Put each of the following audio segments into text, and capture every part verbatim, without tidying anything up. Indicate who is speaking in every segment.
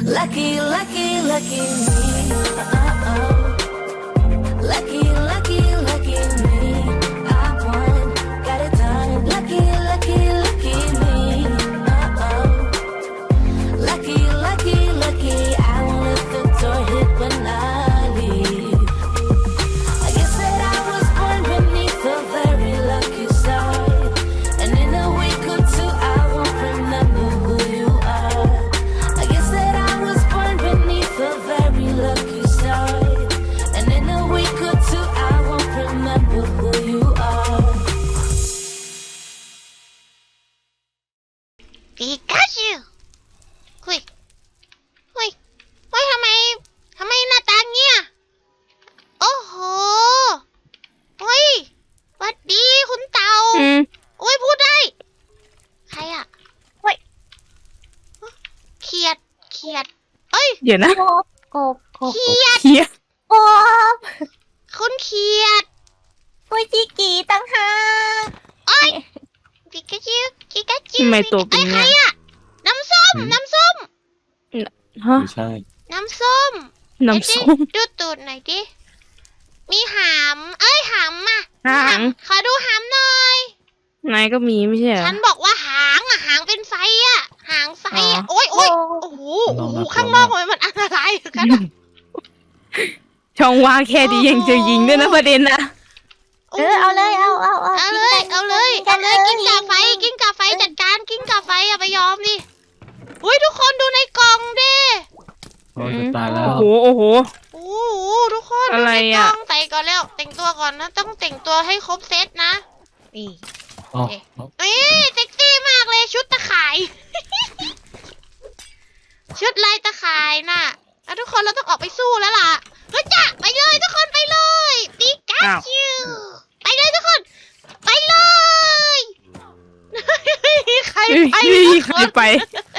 Speaker 1: Lucky, lucky, lucky me. Uh-oh. Lucky, lucky, lucky me. I won, got it done. Lucky, lucky, lucky me. Uh-oh. Lucky, lucky, lucky. I won't let the door hit when I leave. I guess that I was born beneath a very lucky star. And in a week or two, I won't remember who you are. I guess that I was born beneath a very lucky star. And in a week or two, I won't remember who you are.
Speaker 2: ปิกาจูคุยคุยเฮ้ยทำไมทำไมหน้าตาเงี้ยโอ้โหเฮ้ยหวัดดีคุณเต่า
Speaker 3: อืม
Speaker 2: โอ้ยพูดได้ใครอะเฮ้ยเขียดเขียดเอ้ย
Speaker 3: เดี๋ยวนะ
Speaker 4: กบกบกบ
Speaker 2: เขียด
Speaker 3: เฮีย
Speaker 4: กบ
Speaker 2: คุณเขียด
Speaker 4: ปุยจิกีตั้งหาก
Speaker 2: เอ้ยปิกาจูปิกาจู
Speaker 3: ทำไมตัวเป็น
Speaker 2: อ้ยใคร
Speaker 3: เงี้ย
Speaker 2: อะน้ำส้มน้ำส้ม
Speaker 3: ฮะ
Speaker 5: ไม่ใช่
Speaker 2: น้ำส้ม
Speaker 3: น้ำส้ม
Speaker 2: ดูตูดหน่อยดิ มีหาม เอ้ยหามอ่ะ
Speaker 3: หาง
Speaker 2: ขอดูหามหน่อย
Speaker 3: นายก็มีไม่ใช่เหรอ
Speaker 2: ฉันบอกว่าหางอ่ะ หางเป็นไฟอ่ะ หางไฟอ่ะ
Speaker 3: อ๋อ
Speaker 2: โอ้ยโอ้ยโอ้โหโอ้โหข้างนอกทำไมมันอันตรายกันอะ
Speaker 3: ช่องว่างแค่ดียังจะยิงด้วยนะประเด็นนะ
Speaker 4: เออเอาเลยเอาเอาเอา
Speaker 2: เอาเลย เอาเลย เอาเลย กิ้งก่าไฟ กิ้งก่าไฟจัดการ กิ้งก่าไฟอย่าไปยอมดิอุ้ยทุกคนดูในกล่องดิ
Speaker 5: โอ้ยจะตายแล้ว
Speaker 3: โอ้โหโอ้โห
Speaker 2: โอ้โหทุกคน
Speaker 3: อะไร
Speaker 2: ดูในก
Speaker 3: อะ
Speaker 2: ล่องใส่ก่อนแล้ว แต่งตัวก่อนนะ ต้องแต่งตัวให้ครบเซตนะ นี่
Speaker 5: อ๋อ
Speaker 2: เอ้ยเซ็กซี่มากเลยชุดตะข่าย ชุดลายตะข่ายน่ะอ่ะทุกคนเราต้องออกไปสู้แล้วล่ะเฮ้ยจ้ะไปเลยทุกคนไปเลยปิกาจูไปเลยทุกคน ไปเลยใคร
Speaker 3: เฮ้ย
Speaker 2: ไป
Speaker 3: เฮ้ย
Speaker 2: ทุก
Speaker 3: ใค
Speaker 2: ค
Speaker 3: ร
Speaker 2: น
Speaker 3: ไป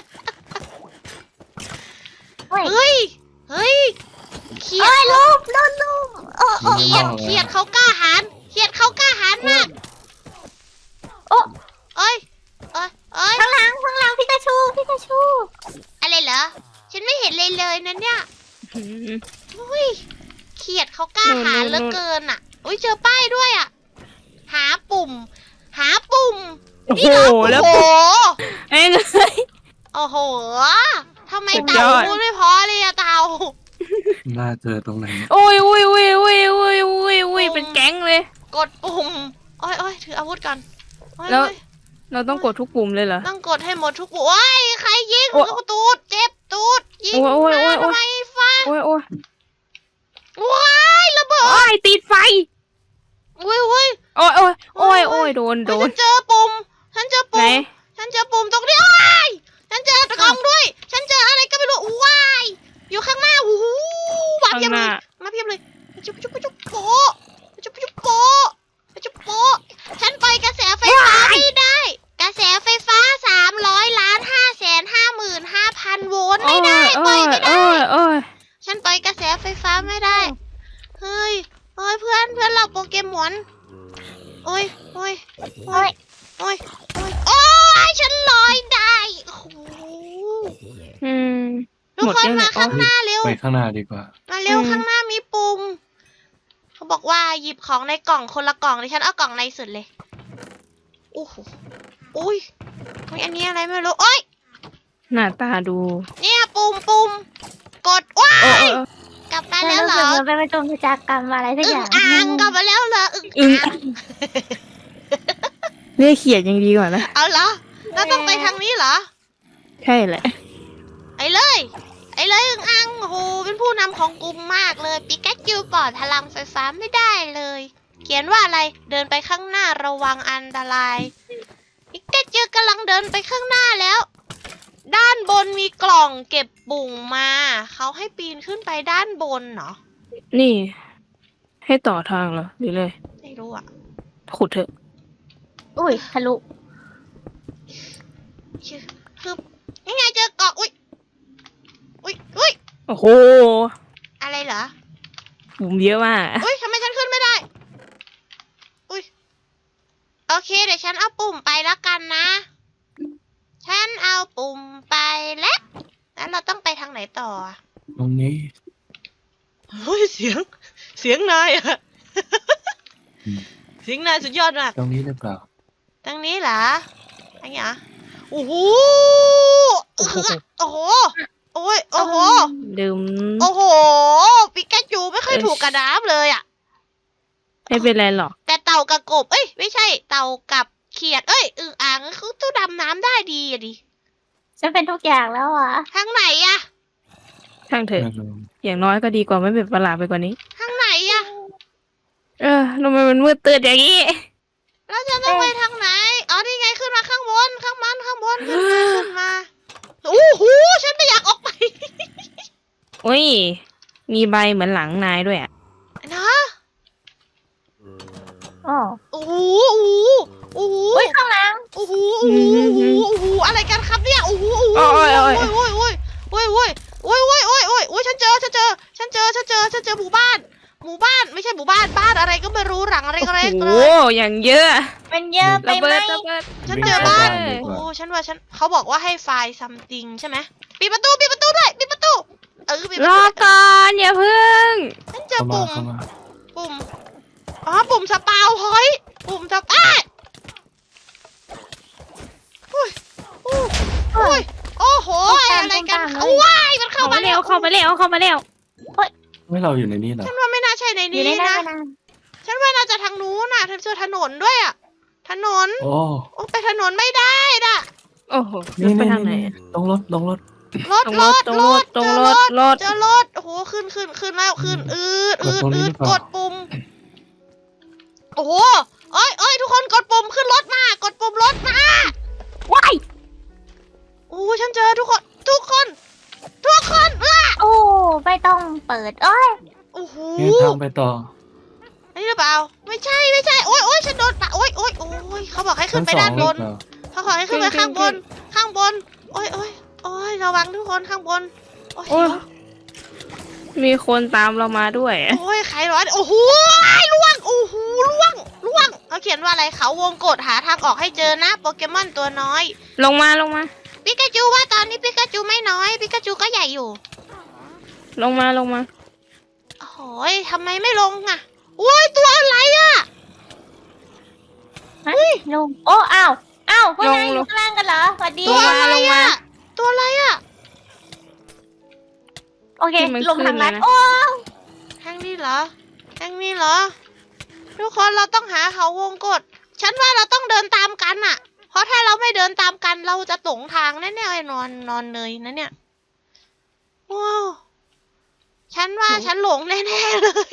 Speaker 4: เฮ้ย
Speaker 2: เฮ้ยเฮ้ยเขีย
Speaker 4: เอ้ย
Speaker 2: ด
Speaker 4: ลูกลูกลูกโอ้โอ้
Speaker 2: เขียดเขียดเขากล้าหาญเขียดเขากล้าหาญมาก
Speaker 4: โอ้
Speaker 2: เอ้ยเอ้ยเอ้ย
Speaker 4: ข้างหลังข้างหลังพิกาชูพิกาชู
Speaker 2: อะไรเหรอฉันไม่เห็นเลยเลยนะเนี่ย
Speaker 3: อืม
Speaker 2: อุ้ยเขียดเขากล้า
Speaker 3: นู่น
Speaker 2: หาญ
Speaker 3: นู่น
Speaker 2: เหลือเกินอ่ะ อุ้ยเจอป้ายด้วยอ่ะ หาปุ่ม หาปุ่ม
Speaker 3: โอ้โห
Speaker 2: นี่เหรอ
Speaker 3: แล้ว
Speaker 2: โอ้โห
Speaker 3: ไอ้เงย
Speaker 2: โอ้โหทำไม
Speaker 3: สุดย
Speaker 2: เต่า
Speaker 3: อด
Speaker 2: พูดไม่พอเลยอะเต่า
Speaker 5: น่าเจอตรงไหน
Speaker 3: โอ้ยโอ้ยโอ้ยโอ้ยโอ้ยโอ้ยโอ้ยเป็นแก๊งเลย
Speaker 2: กดปุ่มโอ้ยโอ้ยถืออาวุธก่อนโอ้ย
Speaker 3: แล้ว
Speaker 2: โอ้ย
Speaker 3: เราต้องกดทุกปุ่มเลยเหรอ
Speaker 2: ต้องกดให้หมดทุกปุ่มโอ้ยใครยิง
Speaker 3: โอ้
Speaker 2: ลูกตูดเจ็บตูดยิง
Speaker 3: โอ้ยโอ้ยโอ้
Speaker 2: มาย
Speaker 3: โอ้ย
Speaker 2: ทำไมฟ้า
Speaker 3: โอ้ยโอ้ย
Speaker 2: ว้ายระเบิ
Speaker 3: โอ้
Speaker 2: ด
Speaker 3: ยติดไฟ
Speaker 2: อุ้ยอุ้ย
Speaker 3: โอ้ยโอ้ยโอ้ยโอ้ยโดนโด
Speaker 2: เฮ้ย
Speaker 3: น
Speaker 2: ฉันเจอปุ่มฉันเจอ
Speaker 3: ไหน
Speaker 2: ปุ่มฉันเจอปุ่มตรงนี้ว้ายฉันเจอกล่องด้วย ฉันเจออะไรก็ไม่รู้ว้ายอยู่ข้างหน้าโอ้โหมาเพียบเลยมาเพียบเลยจุ๊บจุ๊บจุ๊บโป๊ะจุ๊บจุ๊บโป๊ะจุ๊บโป๊ะฉันปล่อยกระแสไฟฟ้าไม่ได้ กระแสไฟฟ้าสามร้อยล้านห้าแสนห้าหมื่นห้าพันโวลต์ไม่ได้ปล่อยไม่ได้
Speaker 3: โอ้ยโอ้ย
Speaker 2: ฉันปล่อยกระแสไฟฟ้าไม่ได้ เฮ้ยเฮ้ยเพื่อนเพื่อนเราโปเกมอนโอ้ยโอ้ยโอ้ยโอ้ยโอ้ยโอ้ยฉันลอยได้โอ้โห
Speaker 3: อืม
Speaker 2: ทุก
Speaker 3: หมด
Speaker 2: คน
Speaker 3: ยังเนี่
Speaker 2: มาย ข้างหน้าเร็ว
Speaker 5: ไปข้างหน้าดีกว่า
Speaker 2: มาเร็ว
Speaker 3: อืม
Speaker 2: ข้างหน้ามีปุ่ม เขาบอกว่าหยิบของในกล่องคนละกล่องดิฉันเอากล่องในสุดเลยโอ้โหอุ้ยเฮ้ยอันนี้อะไรไม่รู้โอ้ย
Speaker 3: หน้าตาดู
Speaker 2: เนี่ยปุ่มปุ่มกดว้า
Speaker 3: เออย เออเออก
Speaker 2: ลับมา
Speaker 4: ฉัน
Speaker 2: แล้ว
Speaker 4: รู้
Speaker 2: เหร
Speaker 4: สึก
Speaker 2: อ
Speaker 4: เหมือนเป็นประจงประจากรรมอะไรสัก
Speaker 2: อึ่
Speaker 4: อง ย่าง
Speaker 2: อ่างกลับมาแล้วเหรออึ่ง
Speaker 3: อึ้ง
Speaker 2: อ่าง
Speaker 3: เรียกเขียดยังดีกว่านะ
Speaker 2: เอาเหรอเราต้องไปทางนี้เหรอ
Speaker 3: ใช่แหละ
Speaker 2: ไอ้เลย ไอ้เลยอึ่งอ่างโอ้โหเป็นผู้นำของกลุ่มมากเลยปิกาจูปลอดพลังไฟฟ้าไม่ได้เลย เขียนว่าอะไรเดินไปข้างหน้าระวังอันตรายปิกาจูกำลังเดินไปข้างหน้าแล้ว ด้านบนมีกล่องเก็บปุ่มมา เขาให้ปีนขึ้นไปด้านบนเนาะ
Speaker 3: นี่ ให้ต่อทางเหรอหรือเลย
Speaker 2: ไม่รู้อ่ะ
Speaker 3: ขุดเถอะ
Speaker 4: อุ้ยทะลุ
Speaker 2: ชื่อคือยังไงเจอกล่องอุ้ยอุ้ยอุ้ย
Speaker 3: โอ้โห
Speaker 2: อะไรเหรอ
Speaker 3: ปุ่มเยอะมาก
Speaker 2: อุ้ยทำไมฉันขึ้นไม่ได้ อุ้ยโอเคเดี๋ยวฉันเอาปุ่มไปแล้วกันนะ ฉันเอาปุ่มไปแล้วแล้วเราต้องไปทางไหนต่ออะ
Speaker 5: ตรงนี้
Speaker 2: เฮ้ยเสียง เสียงนายอะ
Speaker 5: อืม
Speaker 2: เสียงนายสุดยอดมาก
Speaker 5: ตรงนี้หรือเปล่า
Speaker 2: ทางนี้เหรออันนี้เหรอโอ้โหโอ้โหโอ้โหโอ้ยโอ้โห
Speaker 3: ดื่ม
Speaker 2: โอ้โหปิกาจูไม่ค่อยถูกกระน้ำเลยอะ
Speaker 3: ไม่เป็นไรหรอก
Speaker 2: แต่เต่ากับกบ เอ้ย ไม่ใช่ เต่ากับเขียด เอ้ยอึ่งอ่างเขาตู้ดำน้ำได้ดีอะดิ
Speaker 4: ฉันเป็นทุกอย่างแล้วอ่ะ
Speaker 2: ทางไหนอะ
Speaker 3: ช่างเถอะ
Speaker 5: ไม่รู้
Speaker 3: อย่างน้อยก็ดีกว่าไม่เป็นประหลาดไปกว่านี้
Speaker 2: ทางไหนอะ
Speaker 3: เออทำไมมันมืดตื่นอย่างนี้
Speaker 2: แล้วจะต้องไปทางไหน อ๋อ นี่ไงขึ้นมาข้างบน ข้างมันข้างบน ขึ้นมาขึ้นมา โอ้โห ฉันไม่อยากออกไป
Speaker 3: โอ้ย มีใบเหมือนหลังนายด้วยอ่ะ
Speaker 2: นะ
Speaker 4: อ๋อ
Speaker 2: โอ้โห โอ้โห
Speaker 4: อุ้ยข้างหลัง
Speaker 2: โอ้โห โอ้โห โอ้โห โอ้โห อะไรกันครับเนี่ย โอ้โห โอ้โห
Speaker 3: โอ้ยโอ้ย
Speaker 2: โอ้ยโอ้ยโอ้ยโอ้ยโอ้ยโอ้ยโอ้ยโอ้ยโอ้ยโอ้ยฉันเจอ ฉันเจอ ฉันเจอ ฉันเจอ ฉันเจอหมู่บ้าน หมู่บ้าน ไม่ใช่หมู่บ้าน บ้านอะไรก็ไม่รู้หลังอะไร
Speaker 3: โอ้
Speaker 2: ก็เล็ก
Speaker 3: โห
Speaker 2: เลย
Speaker 3: อย่างเยอะ
Speaker 4: มันเยอะไประ ไหม
Speaker 3: เบิดระเบิด
Speaker 2: ฉันเจอบ้าน
Speaker 5: วิ่งเข้
Speaker 2: โอ้
Speaker 5: ดีกว่า
Speaker 2: ฉันว่าฉันเขาบอกว่าให้ไฟล์ something ใช่ไหมปิดประตูปิดประตูด้วยปิดประตูเออปิดประ
Speaker 3: ร
Speaker 2: ตู
Speaker 3: อก่อนอย่าเพึ่ง
Speaker 2: ฉันเจอ
Speaker 5: เข้ามา
Speaker 2: ปุ่ม
Speaker 5: เข้ามา
Speaker 2: ปุ่มอ๋อปุ่มสปาวพอยต์ปุ่มสปาอุ้ยอุ้ยอุ้ยโอ้โหอะไรกันเขาว้ายมันเข้า
Speaker 3: เข้า
Speaker 2: มา
Speaker 3: มาเร็วเข้ามาเร็วเข้ามาเร็ว
Speaker 5: ไม่เราอยู่ในนี้เหรอ
Speaker 2: ฉันว่าไม่น่าใช่ใน
Speaker 4: อยู่
Speaker 2: นี้
Speaker 4: ในนั้
Speaker 2: นะ
Speaker 4: นนะ
Speaker 2: ฉันว่าน่าจะทางนู้นน่ะเธอเจอถนนด้วยอ่ะถนน
Speaker 5: โอ้
Speaker 2: โอ้ไปถนนไม่ได้น่ะ
Speaker 3: โอ้โห
Speaker 5: นี่
Speaker 3: ไป
Speaker 5: นี่
Speaker 3: ทางไหน
Speaker 5: นี่
Speaker 3: อะ
Speaker 5: ตรงรถตรงรถ
Speaker 2: รถ
Speaker 3: ตรง
Speaker 2: ร
Speaker 3: รถ
Speaker 2: ถ
Speaker 3: ตรง
Speaker 2: ร
Speaker 3: ร
Speaker 2: ถ
Speaker 3: ถตรง
Speaker 2: เจ
Speaker 3: ร
Speaker 2: อ
Speaker 3: ถ
Speaker 2: รถ
Speaker 3: รถ
Speaker 2: เจอรถโอ้โหขึ้นขึ้นขึ้นแล้วขึ้นอืดอืดอืดกดปุ่ม โอ้โหเอ้ยเอ้ยทุกคนกดปุ่มขึ้นรถมากดปุ่มรถมา
Speaker 4: ว้าย
Speaker 2: โอ้ฉันเจอทุกคน ทุกคน ทุกคนเออ
Speaker 4: โอ้ไม่ต้องเปิดโอ้ย
Speaker 2: โอ้โห
Speaker 5: นี่ทางไปต่อ
Speaker 2: อันนี้หรือเปล่า ไม่ใช่ไม่ใช่ โอ้ยโอ้ยฉันโดนปะโอ้ยโอ้ยโอ้ยเขาบอกให้ขึ้นไปด้านบน เขาขอให้ขึ้นไปข้างบน ข้างบน โอ้ยโอ้ยโอ้ยระวังทุกคนข้างบน โอ้ย
Speaker 3: โอ้ยมีคนตามเรามาด้วยอะ
Speaker 2: โอ้ยใครร้อนโอ้โหล่วง โอ้โหล่วงล่วงเขาเขียนว่าอะไรเขาวงกดหาทางออกให้เจอนะโปเกมอนตัวน้อย
Speaker 3: ลงมาลงมา
Speaker 2: ปิกาจูว่าตอนนี้ปิกาจูไม่น้อย ปิกาจูก็ใหญ่อยู่
Speaker 3: ลงมาลงมา
Speaker 2: โอ้โหยทำไมไม่ลงอ่ะโอ้ยตัวอะไรอ่ะ
Speaker 4: ฮะลงโอ้อ้าวอ้าวพวกนาย
Speaker 3: ลง
Speaker 4: อยู่ข้างล่างกันเหรอสวัสดี
Speaker 2: ตัวอะไร
Speaker 3: ลงมา
Speaker 2: อ่ะ ตัวอะไรอ่ะ
Speaker 4: โอเค
Speaker 3: ที่มัน
Speaker 4: ลงทางลัด
Speaker 3: ขึ้นเลยนะ
Speaker 4: โอ้
Speaker 2: ทางนี้เหรอทางนี้เหรอ ทุกคนเราต้องหาเขาวงกด ฉันว่าเราต้องเดินตามกันอ่ะ เพราะถ้าเราไม่เดินตามกันเราจะตกทางแน่ๆไอ้นอนนอนเลยนะเนี่ยว้าวฉันว่าฉันหลงแน่ๆเลย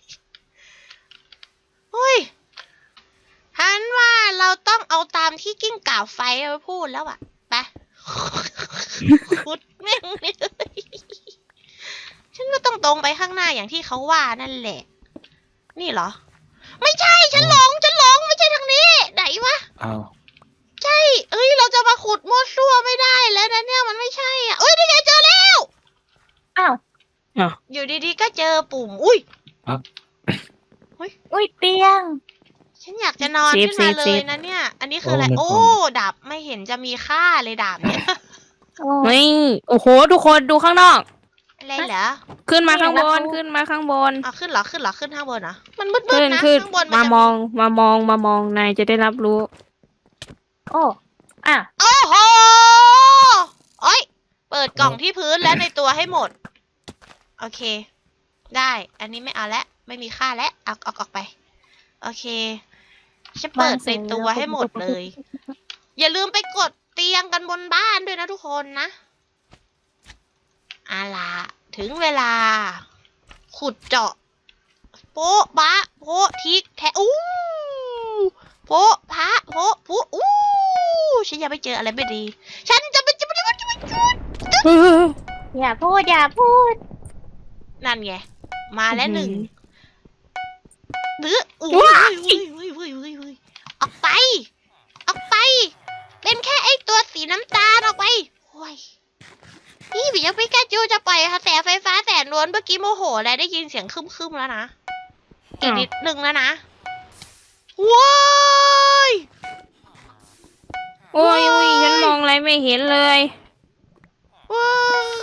Speaker 2: เฮ้ยฉันว่าเราต้องเอาตามที่กิ้งก่าไฟไปพูดแล้วอะไป ขุดแม่งเลยฉันก็ต้องตรงไปข้างหน้าอย่างที่เขาว่านั่นแหละ นี่เหรอ ไม่ใช่ฉันหลงฉันหลงไม่ใช่ทางนี้ ไหนวะ
Speaker 5: อ้าว
Speaker 2: ใช่เอ้ยเราจะมาขุดมั่วซั่วไม่ได้แล้วนะเนี่ยมันไม่ใช่อ่ะเอ้ยนี่ไงเจอแล้ว
Speaker 4: อ้าว
Speaker 2: อยู่ดีๆก็เจอปุ่ม อุ้ย
Speaker 4: อุ้ยเตียง
Speaker 2: ฉันอยากจะนอน
Speaker 3: เซฟ
Speaker 2: ขึ้นมา
Speaker 3: เซฟ
Speaker 2: เล
Speaker 3: เซ
Speaker 2: ย
Speaker 3: ฟ
Speaker 2: นะเนี่ย อันนี้คืออะไร โอ้ ดาบไม่เห็นจะมีค่าเลยดาบเนี่ย
Speaker 4: โอ้
Speaker 3: นี่โอ้โห ทุกคนดูข้างนอก
Speaker 2: อะไรเหรอ
Speaker 3: ขึ้นมาข้างบนขึ้นมาข้างบน
Speaker 2: อ่ะขึ้นเหรอขึ้นเหรอขึ้นข้างบนเหรอมันมืด
Speaker 3: ขึ้น
Speaker 2: ๆนะ
Speaker 3: ขึ้น
Speaker 2: ข้างบน
Speaker 3: มาน
Speaker 2: จะ
Speaker 3: มองมามองมามองนายจะได้รับรู้
Speaker 4: โอ้อ้าว
Speaker 2: โอ้โหโอ้ยเปิดกล่องที่พื้นและในตัวให้หมด โอเค ได้ อันนี้ไม่เอาแล้วไม่มีค่าแล้วเอาเอาออกไป โอเคฉันเปิดในตัวให้หมดเลย อย่าลืมไปกดเตียงกันบนบ้านด้วยนะทุกคนนะเอาล่ะถึงเวลา ขุดเจาะ โป๊ะบะโป๊ะทิกแทะอู้โป๊ะพะโป๊ะปุ๊อู้ฉันยังไม่เจออะไรไม่ดี ฉันจะไม่จะไม่จะไม่จะไม่จุด
Speaker 4: อย่าพูดอย่าพูด
Speaker 2: นั่นไง มาแล้วหนึ่ง หรืออุ้ย
Speaker 3: ว้าย
Speaker 2: อุ้ยอุ้ยอุ้ยอุ้ยอุ้ยออกไป ออกไป เป็นแค่ไอตัวสีน้ำตาลออกไปโอ้ยนี่พี่ยังพิกาจูจะปล่อยกระแสไฟฟ้าแสนล้วนเมื่อกี้โมโหแล้วได้ยินเสียงคึมๆแล้วนะ อีกนิดนึงแล้วนะ ว้าย
Speaker 3: โอ้ยโอ้ยฉันมองอะไรไม่เห็นเลย
Speaker 2: ว้าย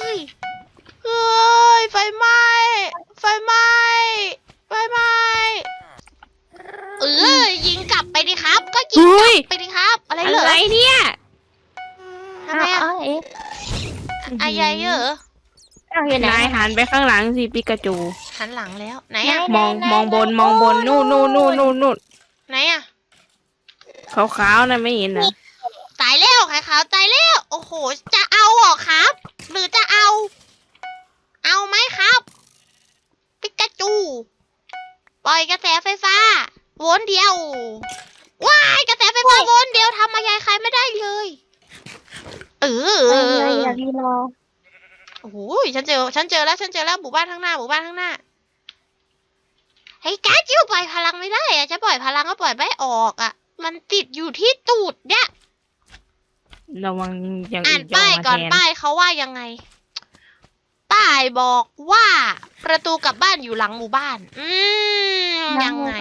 Speaker 2: ไฟไหม้ไฟไหม้ไฟไหม้เออยิงกลับไปดิครับ ก็ยิงกลับไปดิครับ อะไร
Speaker 3: อะ
Speaker 2: เหรอ
Speaker 3: ไรเนี่ย
Speaker 2: ทำไม
Speaker 4: อ้า
Speaker 2: อะ
Speaker 4: วเอ๊ะ
Speaker 2: อะไรเหรอ
Speaker 4: อ้าวอยู่ไหน
Speaker 3: นายหันไปข้างหลังสิปิกาจู
Speaker 2: หันหลังแล้วไหนอะ
Speaker 3: มองมองบนมองบนนู่นนู่นนู่นนู่นนู่น
Speaker 2: ไหนอะ
Speaker 3: ขาวๆนะไม่เห็นนะ
Speaker 2: ตายแล้วไข่ขาวตายแล้วโอ้โหจะเอาเหรอครับ หรือจะเอา เอาไหมครับปิกาจู ปล่อยกระแสไฟฟ้าวนเดียวว้ายกระแสไฟฟ้าวนเดียวทำอะไรใครไม่ได้เลยเอ
Speaker 4: เอ
Speaker 2: อ
Speaker 4: ออย่ารีรอ
Speaker 2: โอ้โหฉันเจอฉันเจอแล้วฉันเจอแล้วหมู่บ้านข้างหน้าหมู่บ้านข้างหน้าเฮ้ยกาจิวปล่อยพลังไม่ได้อะจะปล่อยพลังก็ปล่อยไม่ออกอะมันติดอยู่ที่ตูดเนี่ย
Speaker 3: ระวังอย่าง
Speaker 2: อ่า
Speaker 3: อื่
Speaker 2: น
Speaker 3: นจะ
Speaker 2: ป้าย
Speaker 3: มา
Speaker 2: ก่อน
Speaker 3: แทน
Speaker 2: ป้ายเขาว่ายังไง ป้ายบอกว่าประตูกลับบ้านอยู่หลังหมู่บ้าน อืมยังไง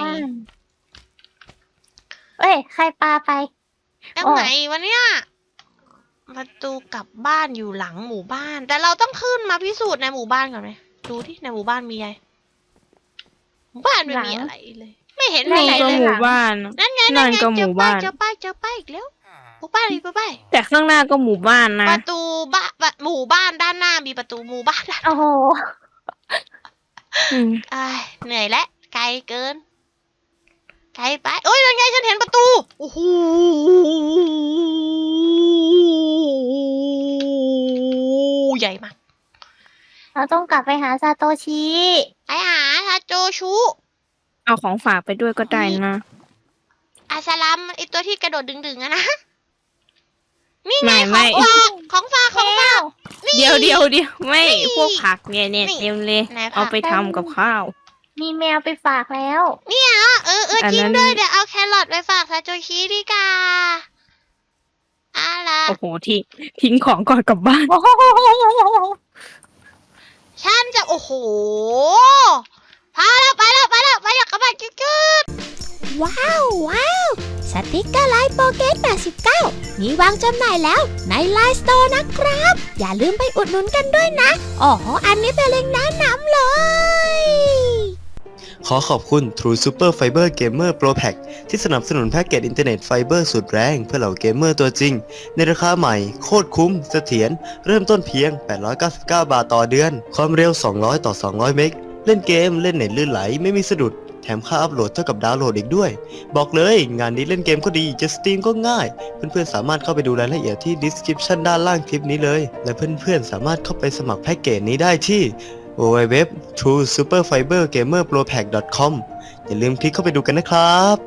Speaker 4: เอ้ยใครปาไป
Speaker 2: ยังไงวะเนี่ยประตูกลับบ้านอยู่หลังหมู่บ้าน แต่เราต้องขึ้นมาพิสูจน์ในหมู่บ้านก่อนไหมดูที่ในหมู่บ้านมีอะไรหมู่บ้านไม่มี
Speaker 4: หลัง
Speaker 2: อะไรเลย ไม่เห็น
Speaker 3: นั่
Speaker 2: มี
Speaker 3: น
Speaker 2: อะไร
Speaker 3: ก็
Speaker 2: เลย
Speaker 3: หมู่บ้าน
Speaker 2: นั่นไง
Speaker 3: นั่
Speaker 2: นั่น
Speaker 3: น
Speaker 2: ไง
Speaker 3: ก็ห
Speaker 2: เจอ
Speaker 3: มู่
Speaker 2: ป้าย
Speaker 3: บ้าน
Speaker 2: เจอป้ายเจอป้ายอีกแล้วหมู่บ้านอีกป้าย
Speaker 3: แต่ข้างหน้าก็หมู่บ้านนะ
Speaker 2: ประตูบ้านหมู่บ้านด้านหน้ามีประตูหมู่บ้านด้าน
Speaker 4: โอ้โห
Speaker 3: อืม
Speaker 2: อ้ายเหนื่อยแล้วไกลเกิน ไกลไปโอ้ยนั่นไงฉันเห็นประตูโอ้โหใหญ่มาก
Speaker 4: เราต้องกลับไปหาซาโตชิ
Speaker 2: ไปหาทาโจชุ
Speaker 3: เอาของฝากไปด้วยก็ได้นะ
Speaker 2: อาสลัมไอตัวที่กระโดดดึงๆอะนะ นี่ไง
Speaker 3: ไม่
Speaker 2: ของ
Speaker 3: ไม่
Speaker 2: ฝากของฝากของฝากนี่
Speaker 3: เดี๋ยวเดี๋ยวเดี๋ยวไม่
Speaker 2: นี่
Speaker 3: พวกผักเนี่ยเนี่ย
Speaker 2: นี่
Speaker 3: เต็มเลย
Speaker 2: ไหนผัก
Speaker 3: เอาไปทำกับข้าว
Speaker 4: มีแมวไปฝากแล้ว
Speaker 2: เนี่ยเออเออ
Speaker 3: อัน
Speaker 2: จริง
Speaker 3: นั้น
Speaker 2: ด้วยเดี๋ยวเอาแครอทไปฝากทาโจชิดีกว่าอะไร
Speaker 3: โอ้โหทิ้งทิ้งของก่อนกลับบ้าน
Speaker 4: โอ้โห
Speaker 2: ฉันจะโอ้โหพาแล้วไปแล้วไปแล้วไปแล้วกลับบ้านจุดๆว้าวว้าวสติกเกอร์ไลน์โปเกตแปดสิบเก้ามีวางจำหน่ายแล้วในไลน์สโตร์นะครับ อย่าลืมไปอุดหนุนกันด้วยนะอ๋ออันนี้เป็นเล็งก์แนะนำเลย
Speaker 6: ขอขอบคุณ True Super Fiber Gamer Pro Pack ที่สนับสนุนแพ็กเกจอินเทอร์เน็ตไฟเบอร์สุดแรงเพื่อเหล่าเกมเมอร์ตัวจริง ในราคาใหม่โคตรคุ้มเสถียรเริ่มต้นเพียง แปดร้อยเก้าสิบเก้า บาทต่อเดือน ความเร็ว สองร้อย ต่อ สองร้อย เมกะเล่นเกมเล่นเน็ตลื่นไหลไม่มีสะดุด แถมค่าอัพโหลดเท่ากับดาวน์โหลดอีกด้วย บอกเลยงานนี้เล่นเกมก็ดีจะสตรีมก็ง่าย เพื่อนๆสามารถเข้าไปดูรายละเอียดที่ description ด้านล่างคลิปนี้เลย และเพื่อนๆสามารถเข้าไปสมัครแพ็กเกจนี้ได้ที่ ดับเบิลยู ดับเบิลยู ดับเบิลยู ดอท ทรู ซูเปอร์ ไฟเบอร์ เกมเมอร์ โปร แพ็ก ดอท คอม อย่าลืมคลิกเข้าไปดูกันนะครับ